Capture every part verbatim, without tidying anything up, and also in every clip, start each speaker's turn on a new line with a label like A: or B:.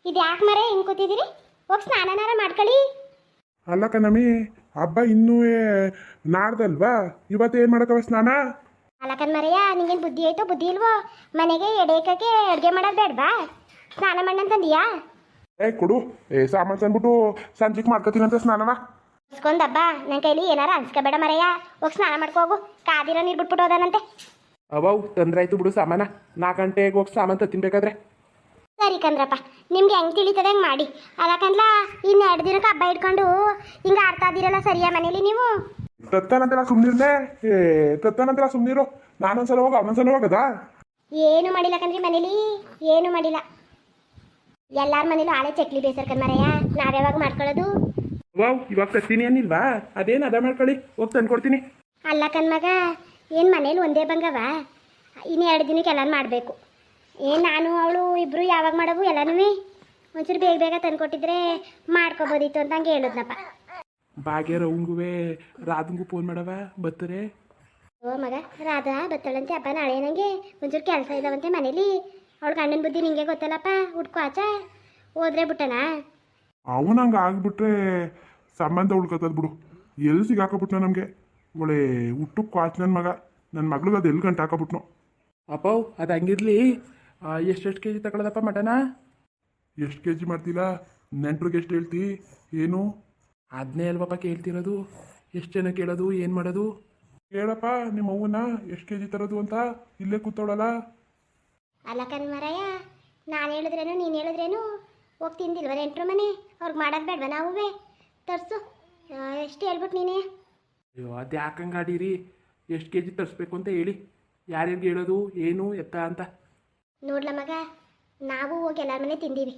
A: ಇದು ಯಾಕೆ ಮರೆ ಹಿಂಗೆ ಕೂತಿದ್ದೀರಿ? ಹೋಗಿ ಸ್ನಾನನಾರ ಮಾಡ್ಕೊಳ್ಳಿ.
B: ಅಲ್ಲ ಕಣಮಿ, ಹಬ್ಬ ಇನ್ನೂ ನಾಡ್ದಲ್ವಾ? ಇವತ್ತೇನು ಮಾಡಕ್ಕವ ಸ್ನಾನ?
A: ಅಲ್ಲಕನ್ ಮರೆಯ, ನಿಂಗೇನು ಬುದ್ಧಿ ಆಯ್ತೋ ಬುದ್ಧಿ ಇಲ್ವೋ? ಮನೆಗೆ ಎಡೇಕಕ್ಕೆ ಅಡುಗೆ ಮಾಡೋದು ಬೇಡವಾ? ಸ್ನಾನ ಮಾಡಂತಂದಿಯಾ?
B: ಏ ಕೊಡು, ಏ ಸಾಮಾನು ತಂದ್ಬಿಟ್ಟು ಸಂಜೆಗೆ ಮಾಡ್ಕೊತೀನಂತ ಸ್ನಾನವ.
A: ಇಸ್ಕೊಂಡಬ್ಬ ನನ್ನ ಕೈಲಿ ಏನಾರ ಅನ್ಸ್ಕೋಬೇಡ ಮರೆಯ. ಹೋಗಿ ಸ್ನಾನ ಮಾಡ್ಕೋಗು, ಕಾದಿರೋ ನೀರು ಬಿಟ್ಬಿಟ್ಟು ಹೋದಾನಂತೆ.
C: ಅವವು ತೊಂದರೆ ಆಯ್ತು ಬಿಡು ಸಾಮಾನ. ನಾಲ್ಕು ಗಂಟೆಗೆ ಹೋಗಿ ಸಾಮಾನು ತತ್ತಿನ್ಬೇಕಾದ್ರೆ.
A: ಸರಿ ಕಂದ್ರಪ್ಪ, ನಿಮ್ಗೆ ಹೆಂಗೆ ತಿಳಿತದೆ ಹಂಗೆ ಮಾಡಿ. ಅಲ್ಲಕಂದ್ಲ ಇನ್ನು ಎರಡು ದಿನಕ್ಕೆ ಹಬ್ಬ ಇಟ್ಕೊಂಡು ಹಿಂಗೆ ಆಡ್ತಾ ಇದ್ದೀರಲ್ಲ ಸರಿಯಾ ಮನೇಲಿ ನೀವು?
B: ತತ್ತನಂತೆಲ್ಲ ಸುಮ್ಮನಿರ್ದೆ. ಏ ತತ್ತನಂತೆಲ್ಲ ಸುಮ್ಮನಿರು. ನಾನೊಂದ್ಸಲ ಹೋಗ ಅವನೊಂದ್ಸಲ ಹೋಗದ.
A: ಏನು ಮಾಡಿಲ್ಲ ಕಣ್ರಿ ಮನೇಲಿ, ಏನು ಮಾಡಿಲ್ಲ. ಎಲ್ಲಾರ ಮನೇಲೂ ಆಳೆ ಚಕ್ಲಿ ಬೇಸರ್ಕನ್ ಮರೆಯ, ನಾವ್ಯಾವಾಗ ಮಾಡ್ಕೊಳ್ಳೋದು?
C: ವಾವ್, ಇವಾಗ ತತ್ತೀನಿ ಏನಿಲ್ವಾ? ಅದೇನು ಅದ ಮಾಡ್ಕೊಳ್ಳಿ, ಹೋಗಿ ತಂದ್ಕೊಡ್ತೀನಿ.
A: ಅಲ್ಲ ಕಣ್ಮಗ, ಏನು ಮನೇಲಿ ಒಂದೇ ಬಂಗವ? ಇನ್ನು ಎರಡು ದಿನಕ್ಕೆ ಎಲ್ಲಾನು ಮಾಡಬೇಕು. ಏನು ನಾನು ಅವಳು ಇಬ್ಬರು ಯಾವಾಗ ಮಾಡವು ಎಲ್ಲನೂ? ಒಂಚೂರು ಬೇಗ ಬೇಗ ತಂದ್ಕೊಟ್ಟಿದ್ರೆ ಮಾಡ್ಕೊಬೋದಿತ್ತು ಅಂತ ಹಂಗೆ ಹೇಳಿದ್ನಪ್ಪ.
C: ಭಾಗ್ಯ ರವಂಗುವೆ ರಾಧಂಗೂ ಫೋನ್ ಮಾಡವ ಬರ್ತಾರೆ.
A: ಓ ಮಗ, ರಾಧಾ ಬತ್ತಳಂತೆ ಹಬ್ಬ ನಾಳೆ. ನನಗೆ ಒಂಚೂರು ಕೆಲಸ ಇದಾವಂತೆ ಮನೇಲಿ. ಅವಳು ಗಂಡನ ಬುದ್ಧಿ ನಿಂಗೆ ಗೊತ್ತಲ್ಲಪ್ಪ, ಹುಡ್ಕೋ ಆಚ ಹೋದ್ರೆ ಬಿಟ್ಟನಾ?
B: ಅವನು ಹಂಗೆ ಆಗ್ಬಿಟ್ರೆ ಸಂಬಂಧ ಉಳ್ಕೊತದ ಬಿಡು. ಎಲ್ಲಿ ಸಿಗಾಕಬಿಟ್ನ ನಮಗೆ? ಒಳ್ಳೆ ಹುಟ್ಟು ಕ್ವಾಚ್ ನನ್ನ ಮಗ. ನನ್ನ ಮಗ್ಳಿಗೆ ಅದು ಎಲ್ಲಿ ಗಂಟು ಹಾಕೋಬಿಟ್ನು.
C: ಅಪ್ಪವ್ ಅದು ಹಂಗಿರ್ಲಿ. ಎಷ್ಟೆಷ್ಟು ಕೆ ಜಿ ತಗೊಳ್ಳೋದಪ್ಪ ಮಟನ?
B: ಎಷ್ಟು ಕೆ ಜಿ ಮಾಡ್ತಿಲ್ಲ? ನೆಂಟ್ರಿಗೆ ಎಷ್ಟು ಹೇಳ್ತಿ? ಏನು
C: ಅದನ್ನೇ ಅಲ್ವಪ್ಪ ಕೇಳ್ತಿರೋದು. ಎಷ್ಟು ಜನ ಕೇಳೋದು, ಏನು ಮಾಡೋದು?
B: ಕೇಳಪ್ಪ ನಿಮ್ಮ ಅವ್ವನ ಎಷ್ಟು ಕೆ ಜಿ ತರೋದು ಅಂತ. ಇಲ್ಲೇ ಕೂತವಳಲ್ಲ.
A: ಅಲ್ಲ ಕಣ್ಮರಯ್ಯ, ನಾನು ಹೇಳಿದ್ರೇನು ನೀನು ಹೇಳಿದ್ರೇನು ಹೋಗಿ ತಿಂದಿಲ್ವ ನೆಂಟ್ರು ಮನೆ? ಅವ್ರಿಗೆ ಮಾಡೋದು ಬೇಡವ? ನಾವೇ ತರಿಸು. ಎಷ್ಟು ಹೇಳ್ಬಿಟ್ಟು ನೀನೇ?
C: ಅಯ್ಯೋ ಅದು ಯಾಕಂಗೆ ಆಡೀರಿ? ಎಷ್ಟು ಕೆ ಜಿ ತರಿಸ್ಬೇಕು ಅಂತ ಹೇಳಿ. ಯಾರ್ಯಾರಿಗೆ ಹೇಳೋದು, ಏನು ಎತ್ತ ಅಂತ?
A: ನೋಡ್ಲ ಮಗ, ನಾವು ಹೋಗಿ ಎಲ್ಲರ ಮನೆ ತಿಂದೀವಿ.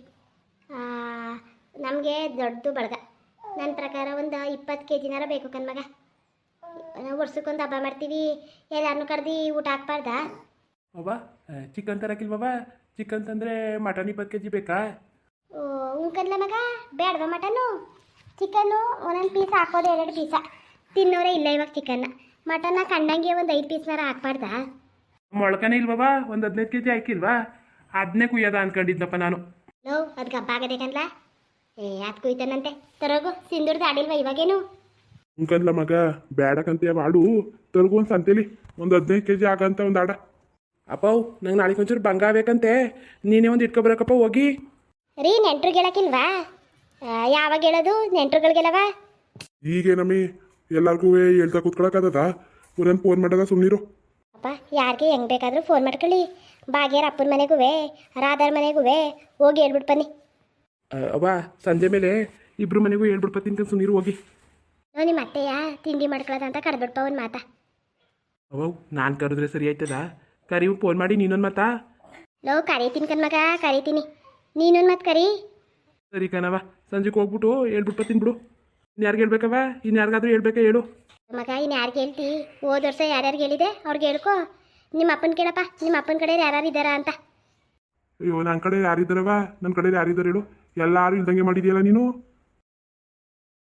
A: ನಮಗೆ ದೊಡ್ಡದು ಬಳಗ. ನನ್ನ ಪ್ರಕಾರ ಒಂದು ಇಪ್ಪತ್ತು ಕೆ ಜಿನಾರ ಬೇಕು ಕಣ್ಮಗ. ನಾವು ವರ್ಷಕ್ಕೊಂದು ಹಬ್ಬ ಮಾಡ್ತೀವಿ, ಎಲ್ಲರನ್ನೂ ಕರೆದು ಊಟ ಹಾಕ್ಬಾರ್ದಾ?
C: ಅವ್ವ ಚಿಕನ್ ತರಕಿಲ್ವವ? ಚಿಕನ್ ತಂದರೆ ಮಟನ್ ಇಪ್ಪತ್ತು ಕೆ ಜಿ ಬೇಕಾ?
A: ಓ ಉಂಕನ್ಲ ಮಗ, ಬೇಡವಾ ಮಟನ್ನು? ಚಿಕನ್ನು ಒಂದೊಂದು ಪೀಸ್ ಹಾಕೋದು, ಎರಡು ಪೀಸ ತಿನ್ನೋರೇ ಇಲ್ಲ ಇವಾಗ ಚಿಕನ್ನ. ಮಟನ್ನ ಕಂಡಂಗೆ ಒಂದು ಐದು ಪೀಸ್ನಾರ ಹಾಕ್ಬಾರ್ದಾ?
C: ಮೊಳಕನೇ ಇಲ್ವವ? ಒಂದು ಹದಿನೈದು ಕೆ ಜಿ ಹಾಕಿಲ್ವಾ? ಅದನ್ನೇ ಕುಯ್ಯೋದ ಅನ್ಕೊಂಡಿದ್ನಪ್ಪ ನಾನು.
A: ಲೋ ಅದಕ್ಕೆ ಹಬ್ಬ ಆಗದೆ ಕನ್ಲ. ಏ ಅದು ಕುಯ್ತಾನಂತೆ. ತರೋಗು, ಸಿಂಧೂರ್ದು ಆಡಿಲ್ವಾ ಇವಾಗೇನು?
B: ಉಂಕಂದ್ಲ ಮಗ, ಬೇಡಕಂತ ಆಡು. ತರ್ಗು ಒಂದು ಸಂತೇಲಿ ಒಂದು ಹದಿನೈದು ಕೆ ಜಿ ಆಗಂತ ಒಂದು ಆಡ.
C: ಅಪ್ಪವ್ ನಂಗೆ ನಾಳೆಗೆ ಒಂಚೂರು ಬಂಗ ಬೇಕಂತೆ. ನೀನೇ ಒಂದು ಇಟ್ಕೊಬರಕಪ್ಪ ಹೋಗಿ.
A: ರೀ ನೆಂಟ್ರಿಗೆ ಹೇಳಕ್ಕಿಲ್ವಾ? ಯಾವಾಗ ಹೇಳೋದು ನೆಂಟ್ರುಗಳಿಗೆಲ್ಲವ?
B: ಹೀಗೆ ನಮ್ಮಿ ಎಲ್ಲರಿಗೂ ಹೇಳ್ತಾ ಕೂತ್ಕೊಳಕದ. ಊರನ್ನು ಫೋನ್ ಮಾಡೋದ ಸುಮ್ಮನಿರು.
A: ಅಪ್ಪ ಯಾರಿಗೆ ಹೆಂಗೆ ಬೇಕಾದರೂ ಫೋನ್ ಮಾಡ್ಕೊಳ್ಳಿ. ಭಾಗ್ಯರ ಅಪ್ಪನ ಮನೆಗೂ ರಾಧಾರ ಮನೆಗೂ ಹೋಗಿ ಹೇಳ್ಬಿಟ್ಟು ಬನ್ನಿ.
C: ಅವ್ವ ಸಂಜೆ ಮೇಲೆ ಇಬ್ರು ಮನೆಗೂ ಹೇಳ್ಬಿಡ್ಪತ್ತೀನಿ ಸುಮ್ಮನಿರು ಹೋಗಿ.
A: ನೋ ನಿಮ್ಮ ಅತ್ತೆಯ ತಿಂಡಿ ಮಾಡ್ಕೊಳ್ಳೋದಂತ ಕರೆದ್ಬಿಡ್ಪ ಒಂದು ಮಾತಾ.
C: ಅವ್ವ ನಾನು ಕರೆದ್ರೆ ಸರಿ ಆಯ್ತದ? ಕರಿ ಫೋನ್ ಮಾಡಿ ನೀನೊಂದು ಮಾತಾ.
A: ಲೋ ಕರೀತೀನಿ ಕಣ್ಮಗ, ಕರೀತೀನಿ. ನೀನೊಂದು ಮಾತು ಕರಿ.
C: ಸರಿ ಕಣವ, ಸಂಜೆಗೆ ಹೋಗ್ಬಿಟ್ಟು ಹೇಳ್ಬಿಟ್ಬತ್ತೀನಿ ಬಿಡು. ಇನ್ಯಾರಿಗೆ ಹೇಳ್ಬೇಕವ? ಇನ್ಯಾರಿಗಾದ್ರೂ ಹೇಳ್ಬೇಕಾ ಹೇಳು
A: ಮಗ. ಇನ್ನು ಯಾರಿಗೆ ಹೇಳ್ತಿ? ಹೋದ ವರ್ಷ ಯಾರ್ಯಾರಿಗೆ ಹೇಳಿದೆ ಅವ್ರಿಗೆ ಹೇಳ್ಕೊ. ನಿಮ್ಮ ಅಪ್ಪನ ಕೇಳಪ್ಪ, ನಿಮ್ಮ ಅಪ್ಪನ ಕಡೆ ಯಾರು ಇದ್ದಾರಾ ಅಂತ.
B: ಅಯ್ಯೋ ನನ್ನ ಕಡೆ ಯಾರಿದ್ದಾರವ? ನನ್ನ ಕಡೆ ಯಾರಿದ್ದಾರೆ ಹೇಳು? ಎಲ್ಲರೂ ಇಲ್ದಂಗೆ ಮಾಡಿದ್ಯಲ್ಲ ನೀನು.